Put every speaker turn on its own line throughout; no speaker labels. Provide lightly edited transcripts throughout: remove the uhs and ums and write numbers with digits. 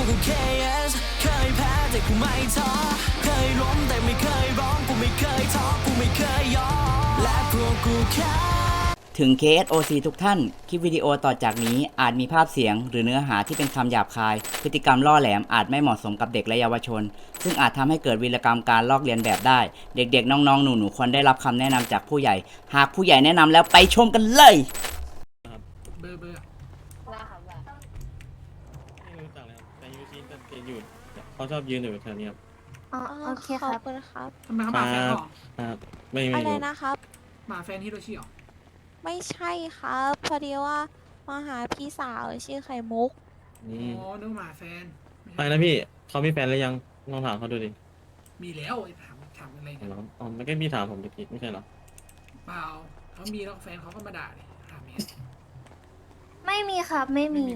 กู KS เคยแพ้แต่กูไม่ท้อเคยล้มแต่ไม่เคยร้องกูไม่เคยท้อกูไม่เคยยอมและพวกกูแค่ถึง KSOC ทุกท่าน คลิปวิดีโอต่อจากนี้อาจมีภาพเสียงหรือเนื้อหาที่เป็นคำหยาบคาย พฤติกรรมล่อแหลมอาจไม่เหมาะสมกับเด็กและเยาวชน ซึ่งอาจทำให้เกิดวีรกรรมการลอกเลียนแบบได้ เด็กๆ น้องๆ หนูๆ ควรได้รับคำแนะนำจากผู้ใหญ่ หากผู้ใหญ่แนะนำแล้วไปชมกันเลย
เบอร์
ว่าค่ะว่า
ไม่รู้จักเลยครับแต่ยูซีจะอยู่เขาชอบยืนอยู่แถวนี้ครับ
อ๋อโอเคค
ขอ
รั
บบ คุณครับ
ทำไมเขามาแฟนหรอ
ครับไม่
อะไร
รู้
นะครับ
มาแฟนฮิโรชิหรอ
ไม่ใช่ครับพอดีว่ามาหาพี่สาวชื่อไข่มุก
อ๋
นี่
อนึกว่ามาแฟน
ไปนะพี่เขามีแฟนหรือยังลองถามเขาดูดิ
มีแล้วไอ้ถามอะไรกัน
อ๋อไม่ใช่พี่ถามผมตะกี้ไม่ใช่เหรอ
เปล่าเขามีแล้วแฟนเขาก็มาด่าเลยถามเนี้ย
ไม่มีครับไม่มี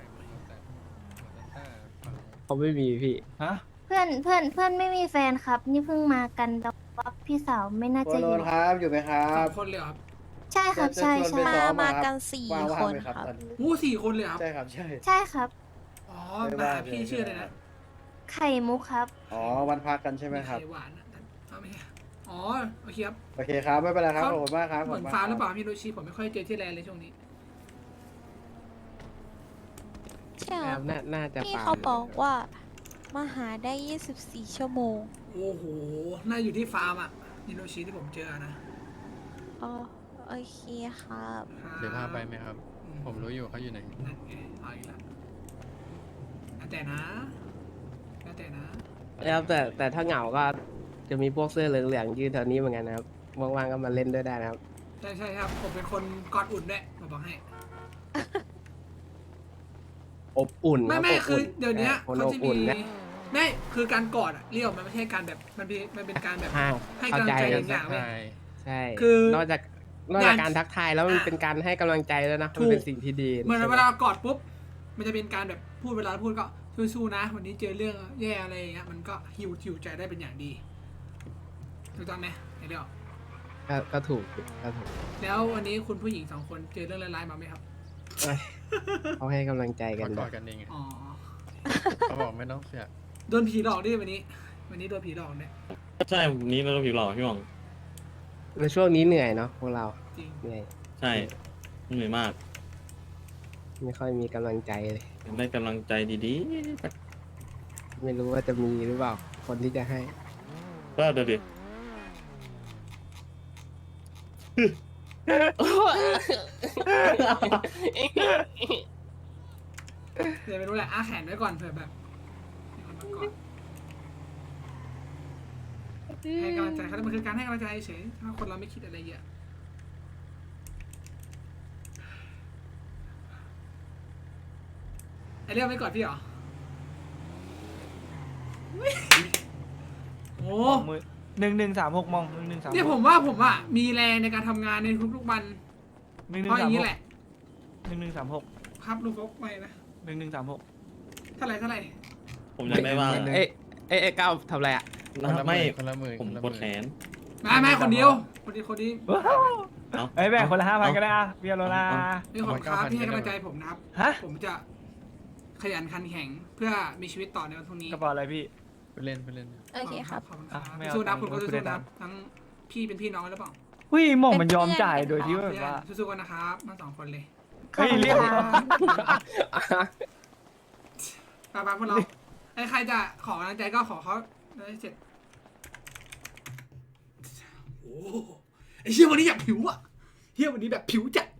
เขาไม่มีพี่
เพื่อนไม่มีแฟนครับ นี่เพิ่งมากันแต่ว่าพี่สาวไม่น่า
โค
จะอ
โล
ยู่
นครับอยู่ไหมครั
สอบ งคนเลยเหรอครับ
ใช่ครับใช่
จะชวน
ใช่
ไปซ้อ
มา
ครับ
กันสี่
ว่าง
คน
ไหม
ครับ
ตอนนี้
โอ้สี่คนเลยเหรอครับ
ใช่ครับใช่
ใช่ครับ
อ๋อ
ไม่
มา
ว่า
พี่ชื่ออะไรนะ
ไข่มุกครับ
อ๋อวันพักกันใช่ไหมครับ
ไข่หวานนะเอาไหมอ๋อโอเคครับ
โอเคครับไม่เป็นไรครับขอบคุณมากครับ
เหมือน
ขบคุณก
ฟ้าหรือเป
ค
ล่าฮิโรชิผมไม่ค่อยเจอที่แลนด์เลยช่วงนี้
ใช่ครับ
น่าจะ
พี่
ปา
เขาบอกว่ามาหาได้ 24 ชั่วโมง
โอ้โหน่าอยู่ที่ฟาร์มอ่ะฮิโรชิที่ผมเจอนะ
อ๋อโอเคครับ
เดี๋ยวพาไปไหมครับ ผมรู้อยู่เขาอยู่ไหน
นั่นไงเอาอีกแล้วแล้วแต่นะแล้วแต่นะ
แล้วแต่ถ้าเหงาก็จะมีพวกเสื้อเหลืองๆยืนแถวนี้เหมือนกันนะครับว่างๆก็มาเล่นด้วยได้นะครับ
ใช่ครับผมเป็นคนกอดอุ่นด้วยมาบอกให้
อบอุ่น
ไม่
รับ
ไม่
อบ
คือ
อุ่น
เดี๋ยวนี้
คน
เขา
อบ
จะ
อุ่น
มี
นะ
ไม่คือการกอดอะเรียกมันไม่ใช่การแบบมันเป็นการแบบ
ห้า
ให้
เข้าก
ำลัง
ใจ
ใจ
กั
อน ย่าง
สั
เงี้
ก
ยเว้ย
ทาย
ใช่
คือ
นอกจากการทักทายแล้วมันเป็นการให้กำลังใจแล้วยนะ
ถู
มัน
ก
เป็นสิ่งที่ดี
เหมือน
ใช่ไห
เวลากอดปุ๊บมันจะเป็นการแบบพูดเวลาพูดก็สู้ๆนะ วันนี้เจอเรื่องแย่อะไรอย่างเงี้ยมันก็หิวใจได้เป็นอย่างดีถูกต้องไหมไอ้เดียว
ก็ถูกก็ถูก
แล้ววันนี้คุณผู้หญิงสองคนเจอเรื่องร้ายๆมาไหมครับ
เอ้ยเขาให้กำลังใจกั
เขา
น
ก
นะ
อดกันเอง
อ๋อ
เขาบอกไม่ต้องเสีย
โดนผีหลอกดิวันนี้โดนผีหลอกเนี่ย
ใช่วันนี้เราผิวหล่อพี่หว่อง
ในช่วงนี้เหนื่อยเนาะพวกเรา
จริง
เหนื่อย
ใช่เหนื่อยมาก
ไม่ค่อยมีกำลังใจเลย
ได้กำลังใจดี
ไม่รู้ว่าจะมีหรือเปล่า คนที่จะให้
ๆก็เดี๋ยวดิ
เดี๋ยวไม่รู้แหละอ้าแขนไว้ก่อนเผื่อแบบมีคนมากอดให้กำลังใจเขามันคือการให้กำลังใจเฉยถ้าคนเราไม่คิดอะไรเยอะไอเรียกไม่กอดพี่เหรอโอ้
1136มอง1136
เนี่ยผมว่าผมอ่ะมีแรงในการทำงานในทุกๆวันเพราะอย่างนี้แหละ
1136
ครับลุงฟกไปนะ
1136
เท่าไหร่
ผมยังได้ว่าง
เอ้ยก้าวทำอะไรอ่ะ
ไม่
คนละหมื่น
ผม
คนละห
ก
มื่
ด
น
แขน
ไม่คนเดียวคนนี้
เอ้า
เอ้ยแบ่งคนละ5,000ก็ได้อะเบียร์โลนา
นี่ของครับที่ให้กำลังใจผมนะครับ
ฮะ
ผมจะขยันขันแข็งเพื่อมีชีวิตต่อในวันพรุ่งนี้
กระเป๋าอะไรพี่
ไปเล่นไปเล่น
โอเคครับ
ขอบคุณครับ
อ่ะไม่เอา
สู้นะ
ตังค์
คุณก็
คุณ
สู้
ได้
ๆ
ตั
นะ
งค์
ทั้งพี่เป็นพี่น้องกันหรือเปล่า
หุ้ยหม่องมันยอมจ่ายโดยที่แบบว่า
สู้ๆกันนะครับทั้งสองคนเลย
เฮ้ยเรียก
ไปพวกเราไอ้ใครจะขอกำลังใจก็ขอเขาได้เสร็จโอ้ไอ้เชี่ยวันนี้อยากผิวอ่ะเฮียวันนี้แบบผิวจัด